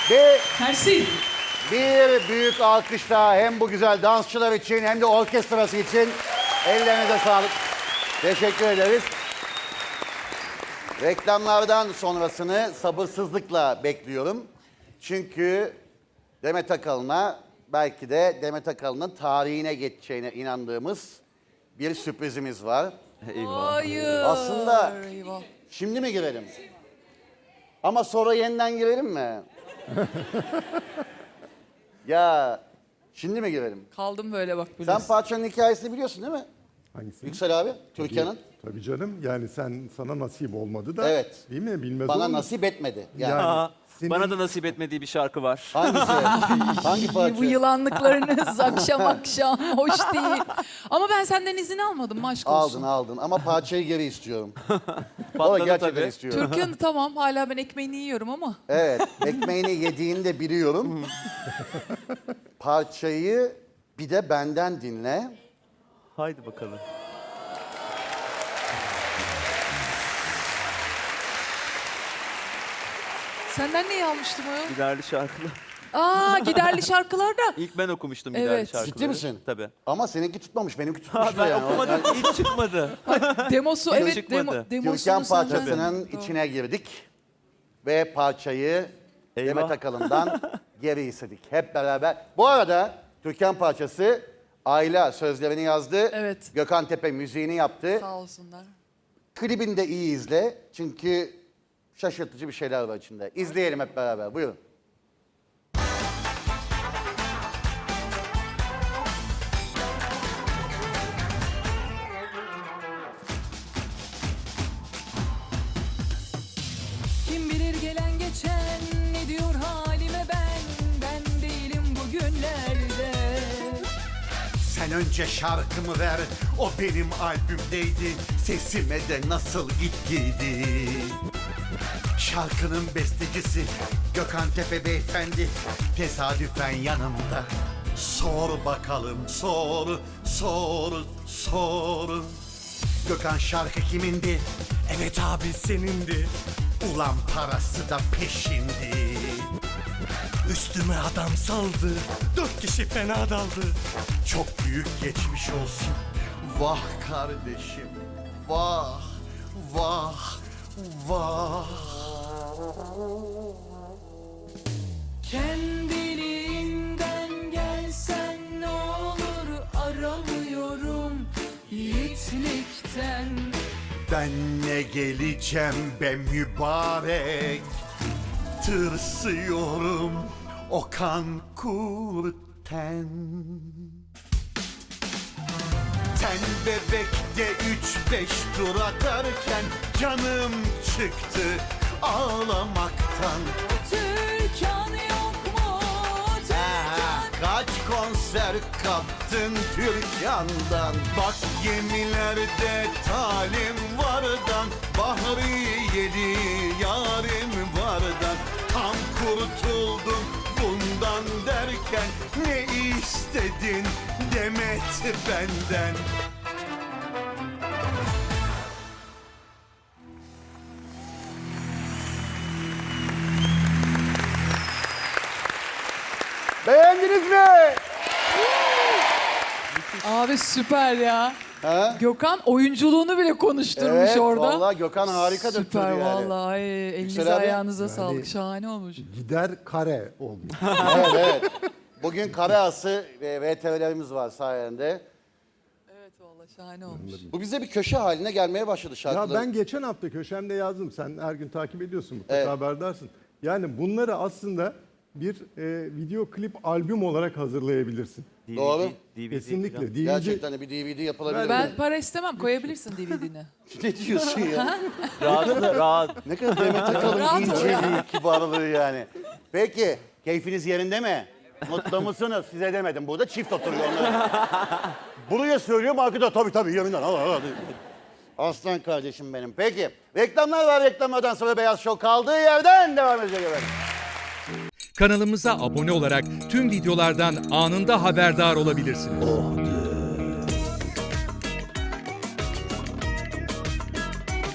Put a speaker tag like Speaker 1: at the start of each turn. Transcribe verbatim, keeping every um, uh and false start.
Speaker 1: Bir,
Speaker 2: Mersi.
Speaker 1: bir büyük alkış daha hem bu güzel dansçılar için hem de orkestrası için. Ellerinize sağlık. Teşekkür ederiz. Reklamlardan sonrasını sabırsızlıkla bekliyorum. Çünkü Demet Akalın'a belki de Demet Akalın'ın tarihine geçeceğine inandığımız bir sürprizimiz var.
Speaker 2: Hayır.
Speaker 1: Aslında
Speaker 2: Eyvah.
Speaker 1: şimdi mi girelim? Ama sonra yeniden girelim mi? Ya şimdi mi girelim?
Speaker 2: Kaldım böyle bak
Speaker 1: Sen
Speaker 2: biraz.
Speaker 1: parçanın hikayesini biliyorsun değil mi?
Speaker 3: Hangisi?
Speaker 1: Yüksel abi, Türkan'ın.
Speaker 3: Tabii canım. Yani sen sana nasip olmadı da.
Speaker 1: Evet.
Speaker 3: Değil mi? Bilmez
Speaker 1: Bana
Speaker 3: olur mu?
Speaker 1: nasip etmedi. Yani.
Speaker 3: Yani
Speaker 4: Aa,
Speaker 3: senin-
Speaker 4: bana da nasip etmediği bir şarkı var.
Speaker 1: Hangisi? Hangi parça?
Speaker 2: Bu yılanlıklarınız akşam akşam hoş değil. Ama ben senden izin almadım aşk olsun.
Speaker 1: Aldın aldın ama parçayı geri istiyorum. O
Speaker 4: Patladı
Speaker 1: gerçekten
Speaker 4: tabii.
Speaker 1: istiyorum.
Speaker 2: Türkan tamam hala ben ekmeğini yiyorum ama.
Speaker 1: Evet, ekmeğini yediğini de biliyorum. Parçayı bir de benden dinle.
Speaker 4: Haydi bakalım.
Speaker 2: Senden neyi almıştım o?
Speaker 4: Giderli şarkılar.
Speaker 2: Aa giderli şarkılarda.
Speaker 4: İlk ben okumuştum
Speaker 2: Evet.
Speaker 4: giderli şarkıları.
Speaker 1: Ciddi misin?
Speaker 4: Tabii.
Speaker 1: Ama seninki tutmamış, benimki
Speaker 4: Ha,
Speaker 1: tutmuştu
Speaker 4: ben
Speaker 1: yani.
Speaker 4: okumadım. İlk çıkmadı.
Speaker 2: Demosu
Speaker 4: Yok,
Speaker 2: evet
Speaker 4: çıkmadı.
Speaker 2: demo,
Speaker 1: Türkan
Speaker 2: demosunu senden.
Speaker 1: parçasının
Speaker 2: Doğru.
Speaker 1: içine girdik. Ve parçayı
Speaker 4: Eyvah.
Speaker 1: Demet Akalın'dan geri istedik. Hep beraber. Bu arada Türkan parçası Ayla sözlerini yazdı.
Speaker 2: Evet.
Speaker 1: Gökhan Tepe müziğini yaptı.
Speaker 2: Sağ olsunlar.
Speaker 1: Klibini de iyi izle. Çünkü şaşırtıcı bir şeyler var içinde. İzleyelim hep beraber. Buyurun.
Speaker 2: Kim bilir gelen geçen ne diyor halime ben. Ben değilim bugünlerde.
Speaker 5: Sen önce şarkımı ver, o benim albümdeydi. Sesime de nasıl gittiydi. Şarkının bestecisi Gökhan Tepe beyefendi tesadüfen yanımda. Sor bakalım, sor, sor, sor. Gökhan şarkı kimindi? Evet abi senindi. Ulan parası da peşindi. Üstüme adam saldı, dört kişi fena daldı. Çok büyük geçmiş olsun. Vah kardeşim, vah, vah, vah.
Speaker 2: Kendiliğinden gelsen ne olur aramıyorum yiğitlikten.
Speaker 5: Ben ne geleceğim be mübarek. Tırsıyorum o kan kurten. Sen bebekte üç beş tur atarken canım çıktı ağlamaktan.
Speaker 2: Türkan yok mu?
Speaker 1: Ha, kaç konser kaptın Türkan'dan?
Speaker 5: Bak gemilerde talim vardan, Bahri yedi yarim vardan. Tam kurtuldum bundan derken, ne istedin Demet benden?
Speaker 1: Beğendiniz mi?
Speaker 2: Abi süper ya.
Speaker 1: Ha?
Speaker 2: Gökhan oyunculuğunu bile konuşturmuş
Speaker 1: Evet,
Speaker 2: orada.
Speaker 1: vallahi Gökhan harika
Speaker 2: Süper
Speaker 1: döktürdü yani.
Speaker 2: vallahi. Ay, elinize
Speaker 1: Yüksel abi.
Speaker 2: ayağınıza sağlık. Şahane olmuş.
Speaker 3: Gider kare olmuş.
Speaker 1: Evet, evet. Bugün kare ası ve V T V'lerimiz var sayende.
Speaker 2: Evet vallahi şahane olmuş.
Speaker 1: Bu bize bir köşe haline gelmeye başladı
Speaker 3: Ya
Speaker 1: şarkılar.
Speaker 3: ben geçen hafta köşemde yazdım. Sen her gün takip ediyorsun, mutlaka
Speaker 1: Evet.
Speaker 3: haberdarsın. Yani bunları aslında bir e, video klip albüm olarak hazırlayabilirsin.
Speaker 4: D V D,
Speaker 1: Doğru.
Speaker 4: D V D
Speaker 3: Kesinlikle.
Speaker 4: falan.
Speaker 3: D V D.
Speaker 1: Gerçekten de bir D V D yapılabilir.
Speaker 2: Ben
Speaker 1: mi?
Speaker 2: para istemem koyabilirsin D V D'ni.
Speaker 1: Ne diyorsun ya?
Speaker 4: Rahat, rahat.
Speaker 1: Ne kadar Demet Akalın
Speaker 2: Rahat ol
Speaker 1: inceliği, kibarlığı yani. Peki, keyfiniz yerinde mi? Mutlu musunuz? Size demedim. Burada çift oturuyor onlar. Buraya söylüyorum, arkada tabii tabii yerinden. Al, al, al. Aslan kardeşim benim. Peki, reklamlar var. Reklamlardan sonra Beyaz Show kaldığı yerden devam edecek efendim.
Speaker 6: Kanalımıza abone olarak tüm videolardan anında haberdar olabilirsiniz.